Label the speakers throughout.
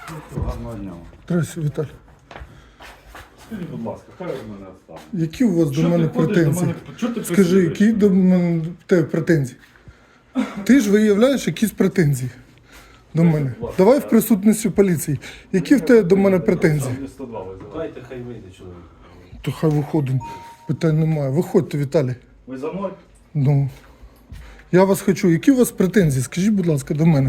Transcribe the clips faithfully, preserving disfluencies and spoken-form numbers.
Speaker 1: Гарного дня.
Speaker 2: Здравствуйте, Віталій.
Speaker 1: Скажіть, будь ласка, хай від мене відстане.
Speaker 2: Які у вас
Speaker 1: Що
Speaker 2: до
Speaker 1: ти
Speaker 2: мене
Speaker 1: ходиш
Speaker 2: претензії?
Speaker 1: до мене? Чого ти
Speaker 2: Скажи,
Speaker 1: працюєш?
Speaker 2: які до мене в тебе претензії? Ти ж виявляєш якісь претензії до мене. Давай в присутності поліції. Які в тебе до мене претензії?
Speaker 1: Там сто два визиває.
Speaker 3: Дайте, хай вийде чоловік.
Speaker 2: То хай виходимо. Питань немає. Виходьте, Віталій.
Speaker 1: Ви за мною?
Speaker 2: Ну. Я вас хочу. Які у вас претензії? Скажіть, будь ласка, до мене.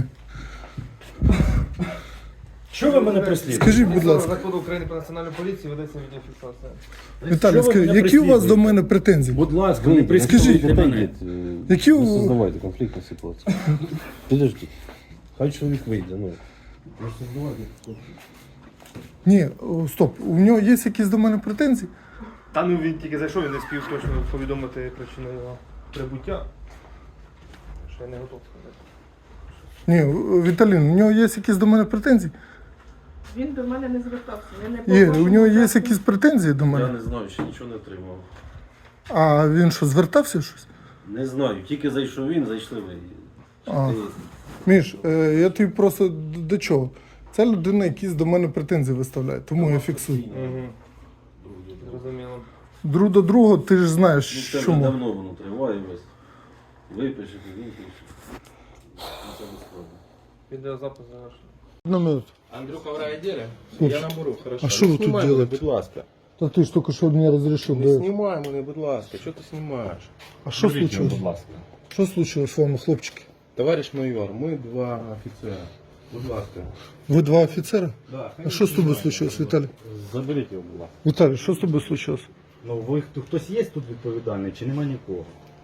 Speaker 3: Що ви мене преслідуєте?
Speaker 2: Скажіть, будь ласка.
Speaker 4: Закону України про національну поліцію ведеться відеофіксація.
Speaker 2: Віталій,
Speaker 3: Що ви
Speaker 2: скажіть,
Speaker 3: мене
Speaker 2: які у вас
Speaker 3: преслідуєте?
Speaker 2: до мене претензії?
Speaker 3: Будь ласка, не
Speaker 2: Скажіть,
Speaker 3: преслідуйте мене.
Speaker 2: Які
Speaker 5: Не
Speaker 2: у...
Speaker 5: создавайте конфликтную ситуацию. Подожди. Хай чоловік вийде, ну. Не создавайте конфликт.
Speaker 2: Ні, о, стоп. У нього є якісь до мене претензії?
Speaker 4: Та ну він тільки зайшов, він не спів точно повідомити причину його прибуття. Що я не готов сказати.
Speaker 2: Ні, Віталін, у нього є якісь до мене претензії?
Speaker 6: Він до мене не звертався. Я не
Speaker 2: Є,
Speaker 6: по
Speaker 2: у
Speaker 6: вашому
Speaker 2: нього є
Speaker 6: запиту.
Speaker 2: якісь претензії до
Speaker 3: Я
Speaker 2: мене?
Speaker 3: не знаю, ще нічого не отримав.
Speaker 2: А він що, звертався щось?
Speaker 3: Не знаю, тільки зайшов він, зайшли ви.
Speaker 2: А.
Speaker 3: Ти-
Speaker 2: Міш, е, я тобі просто д- до чого? Ця людина якісь до мене претензії виставляє, тому я фіксую.
Speaker 4: Угу. Зрозуміло.
Speaker 2: Друг до друга, ти ж
Speaker 3: Ну,
Speaker 2: знаєш,
Speaker 3: це вже
Speaker 2: чому.
Speaker 3: давно воно триває весь. Випишете, він пише. Ну, це без проблем.
Speaker 4: Відеозапис завершений.
Speaker 2: Одну минуту.
Speaker 7: Андрюха в райотделе?
Speaker 2: Слушай,
Speaker 7: Я наберу, хорошо.
Speaker 2: а що ви тут
Speaker 7: Знімай мене,
Speaker 2: робите?
Speaker 7: будь ласка.
Speaker 2: Та ти ж тільки що мені розрішив.
Speaker 7: Не
Speaker 2: Да.
Speaker 7: знімай мене, будь ласка. Що ти знімаєш?
Speaker 2: А що
Speaker 1: Беріть його,
Speaker 2: случилось?
Speaker 1: будь ласка.
Speaker 2: Що случилось з вами, хлопчики?
Speaker 7: Товариш майор, ми два офіцера. Будь ласка.
Speaker 2: Ви два офіцери?
Speaker 7: Да,
Speaker 2: А що з тобою случилось, Віталій?
Speaker 1: Заберіть його, будь ласка.
Speaker 2: Віталій, що з тобою случилось?
Speaker 1: Ну, ви, хто- хтось є тут відповідальний, чи нема нікого?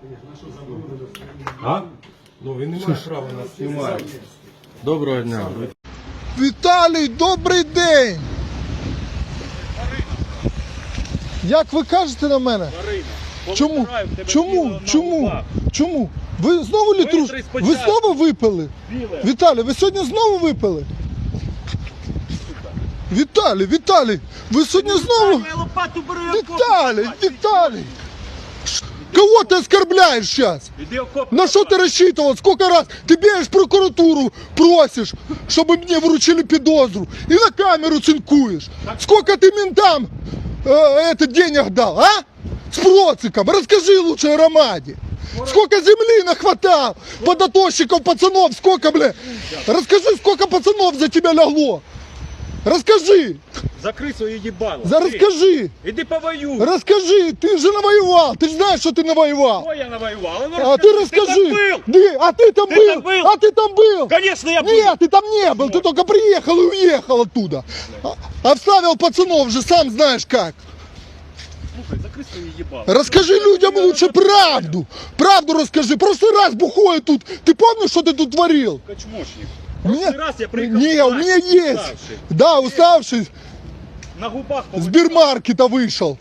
Speaker 1: А?
Speaker 7: Ну він не має права нас знімати. Доброго дня.
Speaker 2: Віталій, добрий день! Як ви кажете на мене? Чому? Чому? Чому? Чому? Ви знову літру? Ви знову випили? Віталій, ви сьогодні знову випили? Віталій, Віталій, ви сьогодні знову? Віталій, Віталій! Ш- Кого ты оскорбляешь сейчас? На что ты рассчитывал? Сколько раз ты бежишь в прокуратуру, просишь, чтобы мне вручили подозру, и на камеру цинкуешь? Сколько ты ментам э, это денег дал, а? С проциком. Расскажи лучше о Ромаде. Сколько земли нахватал, подотощиков, пацанов, сколько, бля? Расскажи, сколько пацанов за тебя легло. Расскажи,
Speaker 8: Закрий своє їбало.
Speaker 2: за, расскажи,
Speaker 8: Іди повоюй.
Speaker 2: расскажи, ты же навоевал, ты же знаешь, что ты навоевал.
Speaker 8: Що я навоював? Ну,
Speaker 2: А ты расскажи,
Speaker 8: Ти там був?
Speaker 2: Ты- а ты там
Speaker 8: Ты
Speaker 2: был,
Speaker 8: там был?
Speaker 2: а ты там был.
Speaker 8: Конечно, я був.
Speaker 2: Нет, ты там не был, ты только приехал и уехал оттуда. А- Обставил пацанов же, сам знаешь как.
Speaker 8: Слухай, закрий своє їбало.
Speaker 2: Расскажи людям лучше правду. Правду расскажи. Прошлый раз бухой тут. Ты помнишь, что ты тут творил?
Speaker 8: Качмошник.
Speaker 2: У меня-
Speaker 8: Прошлый раз я приїхав.
Speaker 2: Не, у меня есть.
Speaker 8: уставший.
Speaker 2: Да, уставший.
Speaker 8: На губах
Speaker 2: С
Speaker 8: повитирай.
Speaker 2: бирмаркета вышел.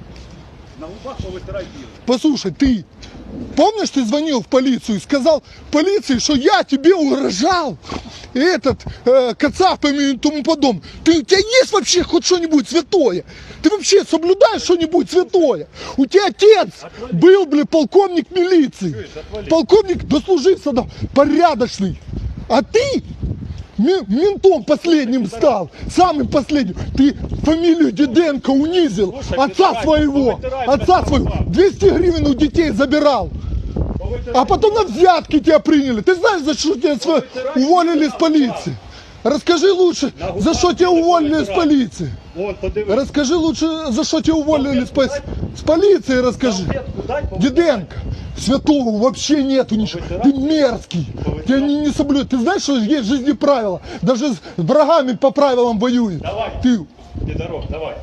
Speaker 8: На губах повитирай біло.
Speaker 2: Послушай, ты помнишь, ты звонил в полицию и сказал полиции, что я тебе угрожал? Этот, э, Кацапами и тому подобное. Ты, у тебя есть вообще хоть что-нибудь святое? Ты вообще соблюдаешь что-нибудь святое? У тебя отец был, бля, полковник милиции. Полковник дослужился до порядочный. А ты ме- ментом последним стал, самым последним. Ты фамилию Диденко унизил,
Speaker 8: Слушай,
Speaker 2: отца
Speaker 8: вытирай,
Speaker 2: своего,
Speaker 8: повытирай,
Speaker 2: отца
Speaker 8: вытирай.
Speaker 2: своего. двести гривен у детей забирал.
Speaker 8: Повитирай.
Speaker 2: А потом на взятки тебя приняли. Ты знаешь, за что тебя сво- уволили с полиции? Расскажи лучше, за что тебя уволили с полиции.
Speaker 8: Вон, подивись.
Speaker 2: Расскажи лучше, за что тебя уволили с, по- с полиции, расскажи.
Speaker 8: Салфетку дай, повитирай.
Speaker 2: Диденко, святого вообще нету ничего. Ты мерзкий. Тебя не, не соблюдают. Ты знаешь, что есть в жизни правила? Даже с врагами по правилам воюют.
Speaker 8: Давай.
Speaker 2: Ты.
Speaker 8: Іди дорог, давай.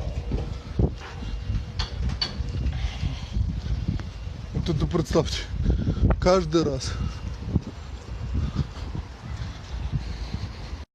Speaker 2: Вот это представьте. Каждый раз.